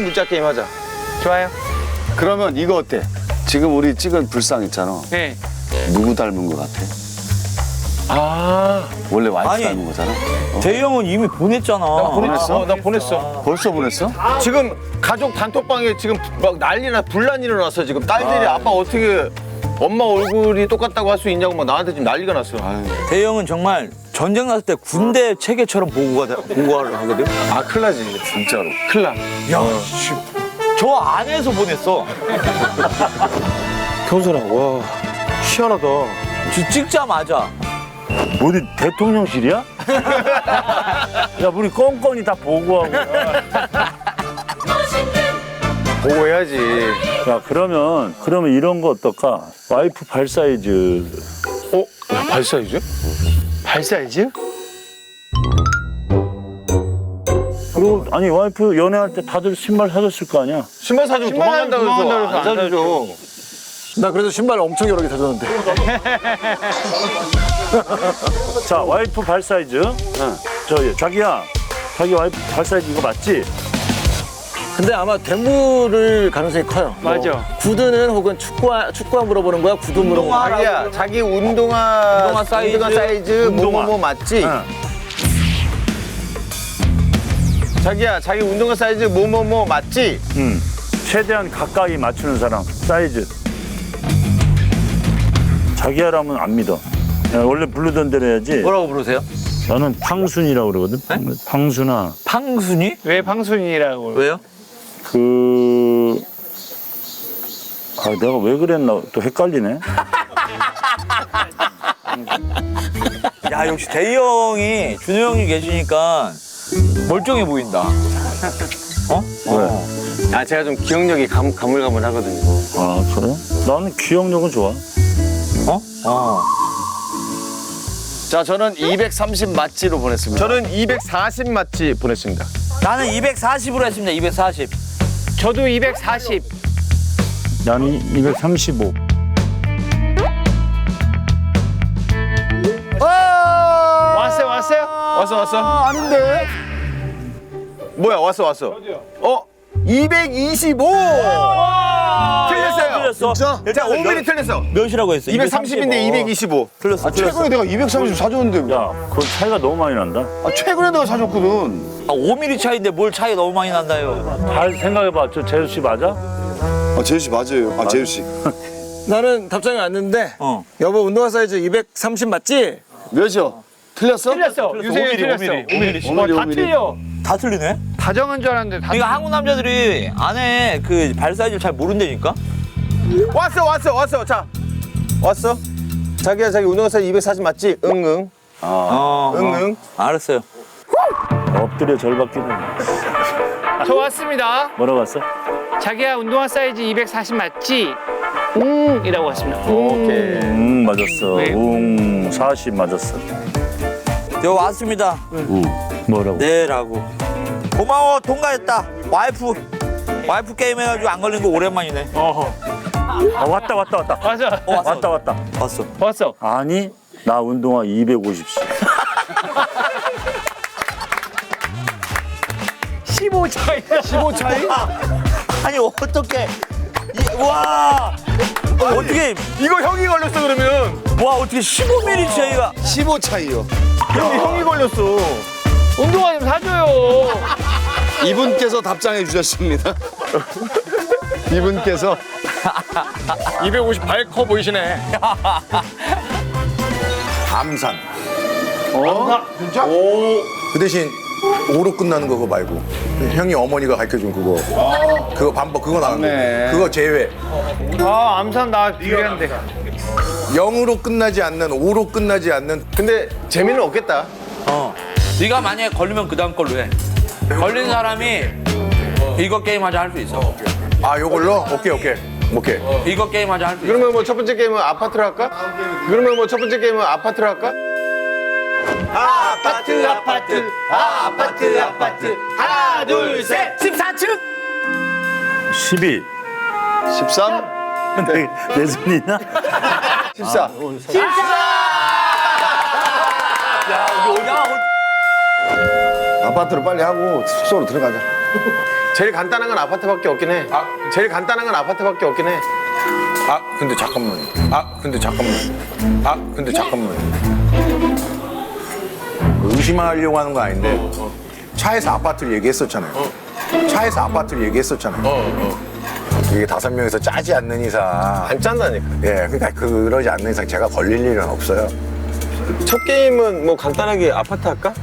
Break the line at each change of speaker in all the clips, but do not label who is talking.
문자 게임 하자.
좋아요.
그러면 이거 어때? 지금 우리 찍은 불상 있잖아.
네.
누구 닮은 것 같아?
아.
원래 와이프
아니.
닮은 거잖아.
대희 형은 이미 보냈잖아.
보냈어?
나 보냈어.
벌써 보냈어?
지금 가족 단톡방에 지금 막 난리나 분란이 일어났어. 지금 딸들이 아빠 어떻게 엄마 얼굴이 똑같다고 할 수 있냐고 막 나한테 지금 난리가 났어.
대희 형은 정말 전쟁 났을 때 군대 체계처럼 보고를 하거든.
아 큰일 나지.
진짜로.
큰일 나.
저 안에서 보냈어.
경선아 와 희한하다.
찍자마자.
어디 대통령실이야? 야, 우리 껌껌이 다 보고하고.
보고해야지.
야, 그러면 이런 거 어떨까? 와이프 발 사이즈.
발 사이즈? 발 사이즈?
그리고 아니 와이프 연애할 때 다들 신발 사줬을 거 아니야?
신발 사주고 도망간다고 해서 안 사주죠.
나 그래도 신발 엄청 여러 개 사줬는데.
자, 와이프 발 사이즈. 자기야, 자기 와이프 발 사이즈 이거 맞지?
근데 아마 대물을 가능성이 커요.
맞아.
구두는 혹은 축구화 물어보는 거야? 구두 물어보는 거야?
자기야 자기 운동화 사이즈 뭐뭐뭐 맞지? 자기야 자기 운동화 사이즈 뭐뭐뭐 맞지?
최대한 가까이 맞추는 사람 사이즈. 자기야라면 안 믿어. 야, 원래 부르던 대로 해야지.
뭐라고 부르세요?
나는 팡순이라고 그러거든. 팡순아.
팡순이?
왜 방순이라고?
왜요?
내가 왜 그랬나 또 헷갈리네.
야 역시 대희 형이 준호 형이 계시니까 멀쩡해 보인다.
왜?
아 제가 좀 기억력이 가물가물하거든요.
아, 그래? 나는 기억력은 좋아.
자, 저는 230 맞지로 보냈습니다.
저는 240 맞지 보냈습니다.
나는 240으로 했습니다. 240.
저도 240.
나는 235.
왔어요?
왔어?
아닌데?
뭐야 왔어? 225! 틀렸어요.
틀렸어.
자 5mm 틀렸어.
몇이라고 했어?
230인데 225.
틀렸어.
최근에 내가 230 사줬는데.
야, 그 차이가 너무 많이 난다.
최근에 내가 사줬거든.
5mm 차이인데 뭘 차이 너무 많이 난다요.
잘 생각해봐. 저 재수 씨 맞아?
재유 씨 맞아요. 재유 씨.
나는 답장이 왔는데 여보 운동화 사이즈 230 맞지?
몇이요? 틀렸어?
틀렸어. 유세윤 틀렸어. 5mm. 다 틀려.
다 틀리네?
다 정한 줄 알았는데 다.
그러니까 한국 남자들이 안에 그 발 사이즈를 잘 모른다니까?
왔어. 자 왔어. 자기야 자기 운동화 사이즈 240 맞지? 응응. 응응.
알았어요.
엎드려 절받기는.
저 왔습니다.
뭐라고 왔어?
자기야 운동화 사이즈 240 맞지? 이라고 왔습니다.
오케이. 맞았어.
왜?
40 맞았어.
저 왔습니다.
뭐라고?
네라고. 고마워 통과했다. 와이프 게임 해가지고 안 걸린 거 오랜만이네.
아, 왔다.
맞아.
왔다.
왔어.
왔어.
아니, 나 운동화 250씩.
15 차이.
15 차이?
아니 어떻게? 와 어떻게?
이거 형이 걸렸어 그러면.
와 어떻게 15mm 차이가?
15 차이요.
근데 형이 걸렸어.
운동화 좀 사줘요.
이분께서 답장해 주셨습니다. 이분께서
250 발 커 보이시네.
암산. 진짜? 그 대신 5로 끝나는 거 그거 말고 형이 어머니가 가르쳐준 그거 반복 그거 나왔네. 그거 제외.
아 암산 나 유리한데.
0으로 끝나지 않는 5로 끝나지 않는.
근데 재미는 없겠다.
네가 만약에 걸리면 그 다음 걸로 해. 걸린 사람이 이거 게임 하자 할 수 있어.
아 요걸로? 오케이.
이거 게임 하자 할 수 있어.
그러면 뭐 첫 번째 게임은 아파트로 할까? 아파트. 하나, 둘, 셋. 14층.
12.
13?
내 손이 있나?
14.
아파트로 빨리 하고 숙소로 들어가자.
제일 간단한 건 아파트밖에 없긴 해. 제일 간단한 건 아파트밖에 없긴 해.
근데 잠깐만. 근데 잠깐만. 의심하려고 하는 거 아닌데 차에서 아파트를 얘기했었잖아요. 이게 5명이서 짜지 않는 이상
안 짠다니까.
예, 그러니까 그러지 않는 이상 제가 걸릴 일은 없어요.
첫 게임은 뭐 간단하게 아파트 할까?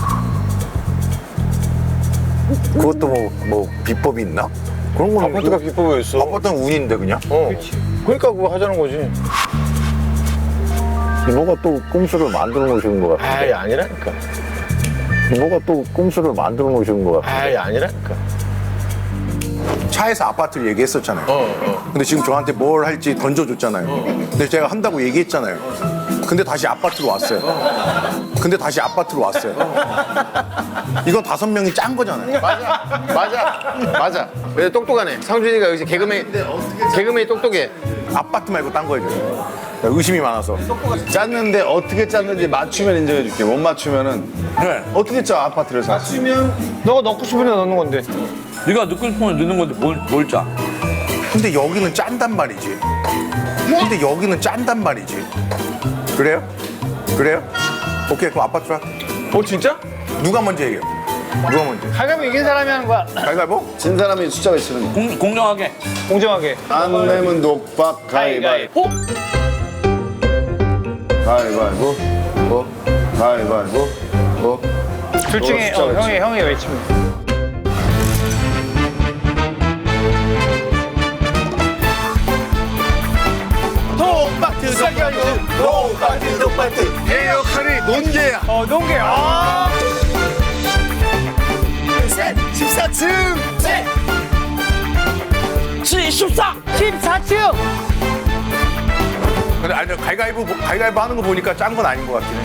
그것도 뭐 비법이 있나? 그런 거는
아파트가 비법이었어.
아파트는 운인데 그냥.
그러니까 그거 하자는 거지.
뭐가 또 꼼수를 만들어 놓으시는 것 같아.
아이 아니라니까.
뭐가 또 꼼수를 만들어 놓으시는 것 같아.
아이 아니라니까.
차에서 아파트를 얘기했었잖아요. 근데 지금 저한테 뭘 할지 던져줬잖아요. 근데 제가 한다고 얘기했잖아요. 근데 다시 아파트로 왔어요. 이건 5명이 짠 거잖아요.
맞아. 근데 똑똑하네. 상준이가 역시 개그맨이 똑똑해.
아파트 말고 딴 거예요. 의심이 많아서.
짰는데 어떻게 짰는지 맞추면 인정해줄게. 못 맞추면은 어떻게 짜 아파트를 사?
너가 넣고 싶은 데 넣는 건데.
네가 넣고 싶으면 넣는 건데 뭘 짜?
근데 여기는 짠단 말이지. 그래요? 오케이, 그럼 아파트로 할게.
진짜?
누가 먼저 얘기해요?
가위바위보 이긴 사람이 하는 거야.
가위바위보?
진 사람이 숫자가 있으면
공정하게.
공정하게.
안 내면 녹박 가위바위보. 가위바위보. 가위바위보.
둘 중에 형이 외치면.
똑바트. 내 역할이 논개야.
농계.
14층.
14층.
근데 아니 가위바위보 하는 거 보니까 짠 건 아닌 것 같긴 해.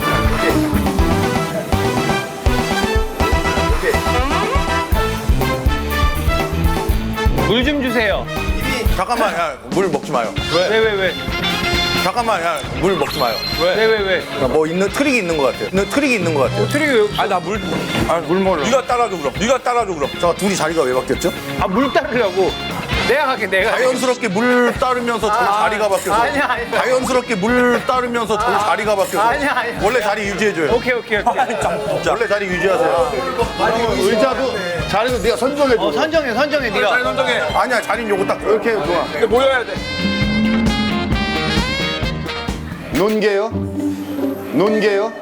물 좀 주세요.
잠깐만, 야, 물 먹지 마요.
왜?
잠깐만, 야, 물 먹지 마요.
왜?
뭐 트릭이 있는 것 같아요.
트릭이 왜?
물 먹으려. 네가 따라줘 그럼.
자, 둘이 자리가 왜 바뀌었죠?
물 따르려고. 내가 갈게.
자연스럽게 물 따르면서 저 자리가 바뀌어서.
아니야.
자연스럽게 물 따르면서 저 자리가 바뀌어서.
아니야.
원래 자리 유지해줘요.
오케이.
원래 자리 유지하세요.
의자도 자리도 네가 선정해줘.
선정해 네가.
아니야, 자리는 요거 딱.
이렇게 좋아.
모여야 돼.
논개요?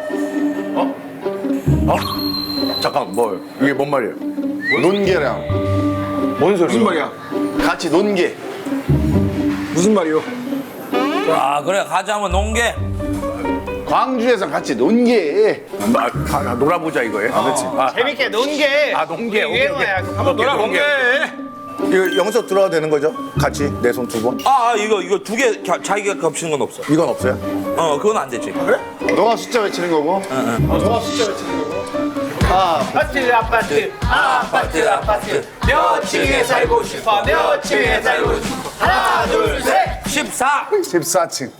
잠깐, 이게 뭔 말이에요?
논개랑
뭔 소리야?
무슨 말이야? 같이 논개.
무슨 말이요?
그래 가자면 농계.
광주에서 같이 논개.
놀아보자 이거예요. 그렇지.
재밌게 논게.
논개. 오케이.
유행어야. 한번
놀아
농계.
이거 영석 들어가도 되는 거죠? 같이 내 손 2번.
이거 2개 자기가 겹치는 건 없어.
이건 없어요?
그건 안 되지. 그래?
너가 숫자 외치는 거고.
아파트. 몇 층에 살고 싶어. 하나, 둘, 셋.
14층.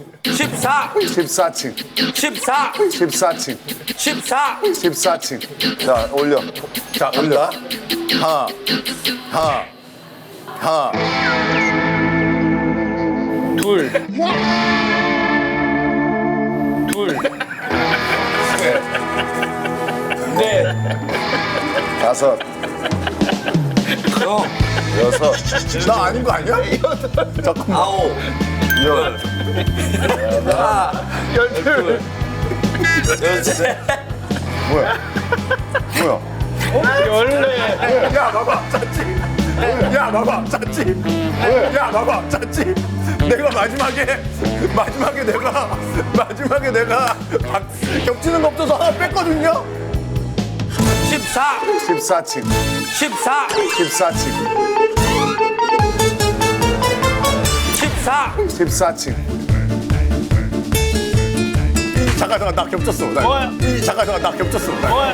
14층. 자, 올려.
자, 올라. 하나.
둘. 넷.
5.
형.
6.
나 아닌 거 아니야? 잠깐만.
9.
10.
13.
뭐야?
야, 봐봐. 짰지? 내가 마지막에 내가 겹치는 거 없어서 하나 뺐거든요?
14층. 14층.
잠깐, 나 겹쳤어. 나 겹쳤어.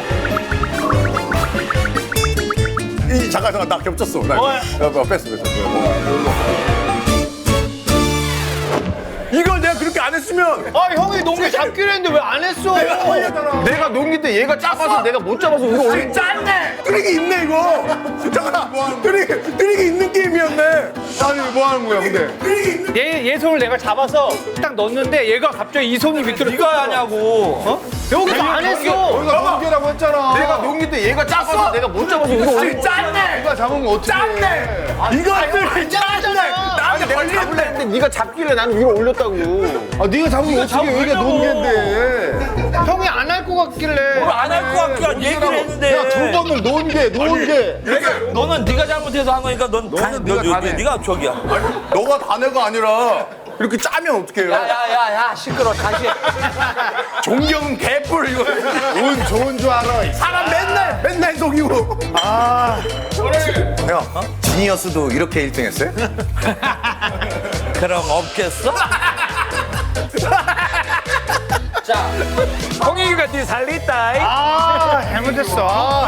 나 겹쳤어. 뺐어. 이걸 내가 그렇게 안 했으면
형이 농계 잡기로 했는데 왜 안 했어?
내가 농기 때 얘가 작아서 내가 못 잡아서 이거 올린
짠네! 트릭이 있네 이거. 잠깐. 뜨리기 있는 게임이었네.
아니 뭐 하는 거야 근데?
얘 손을 내가 잡아서 딱 넣었는데 얘가 갑자기 이 손이 밑으로
네가 하냐고.
어? 여기서 안 했어.
너희가 농계라고 했잖아.
내가 농기인데 얘가 작아서 내가 못 잡아서 이거 올린 거야.
네가 잡은 거 어떻게? 짰네.
이것들 짰네. 나한테 내가 잡으려 했는데 네가 잡길래 나는 위로 올렸다고.
아 네가 잡은 거 어떻게? 여기가 농계인데.
형이 안 할 것 같길래.
안 할 것 같긴 한 얘기를 했는데.
야 두 번을 논게.
너는 네가 잘못해서 한 거니까 넌 네가 저기야.
너가 다네가 아니라 이렇게 짜면 어떡해요?
야야야야 시끄러 다시.
존경은 개뿔 이거.
운 좋은 줄 알아.
사람 맨날 속이고. 형, 지니어스도 이렇게 1등 했어요?
그럼 없겠어? 자,
홍익이가 뒤에 살리있다. 아, 잘못했어.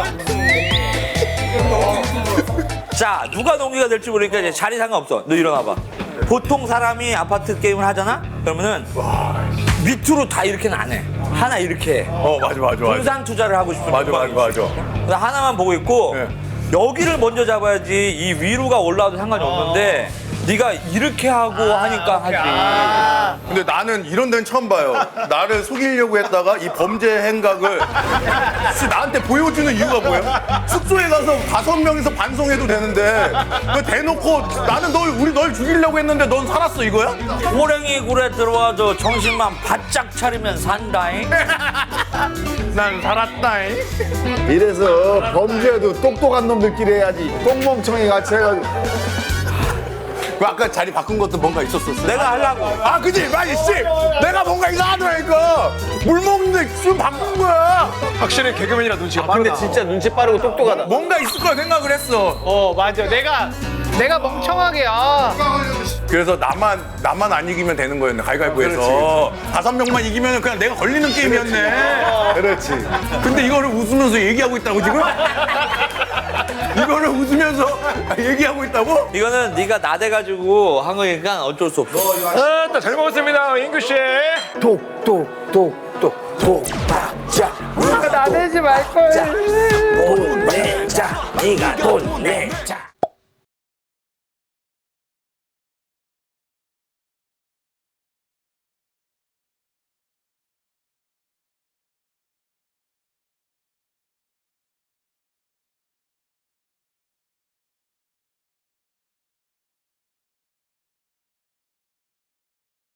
자 누가 농기가 될지 모르니까 이제 자리 상관없어. 너 일어나봐. 보통 사람이 아파트 게임을 하잖아? 그러면은 밑으로 다 이렇게는 안 해. 하나 이렇게 해.
맞아.
분산 투자를 하고 싶은
맞아.
그래서 하나만 보고 있고
네.
여기를 먼저 잡아야지 이 위로가 올라와도 상관이 없는데 네가 이렇게 하고 하니까 하지.
근데 나는 이런 데는 처음 봐요. 나를 속이려고 했다가 이 범죄 행각을 나한테 보여주는 이유가 뭐야? 숙소에 가서 5명이서 반송해도 되는데 그 대놓고 나는 널 죽이려고 했는데 넌 살았어 이거야?
호랭이 굴에 들어와도 정신만 바짝 차리면 산다잉.
난 살았다잉. 이래서 범죄도 똑똑한 놈들끼리 해야지. 똥멍청이 같이 해가지고.
그 아까 자리 바꾼 것도 뭔가 있었었어.
내가 하려고.
아 그지? 맞지? 씨! 내가 뭔가 이상하더라니까. 물 먹는데 술 바꾼 거야.
확실히 개그맨이라 눈치가
근데 진짜 눈치 빠르고 똑똑하다.
뭔가 있을 거라 생각을 했어.
맞아. 내가 멍청하게,
그래서 나만 안 이기면 되는 거였네. 가위바위보에서 5명만 이기면 그냥 내가 걸리는 게임이었네.
그렇지.
근데 이거를 웃으면서 얘기하고 있다고 지금? 이거를 웃으면서 얘기하고 있다고?
이거는 네가 나대가지고 한 거니까 어쩔 수 없어.
잘 먹었습니다, 인규 씨.
독박자
나대지 말걸.
돈 내자 네가 돈 내자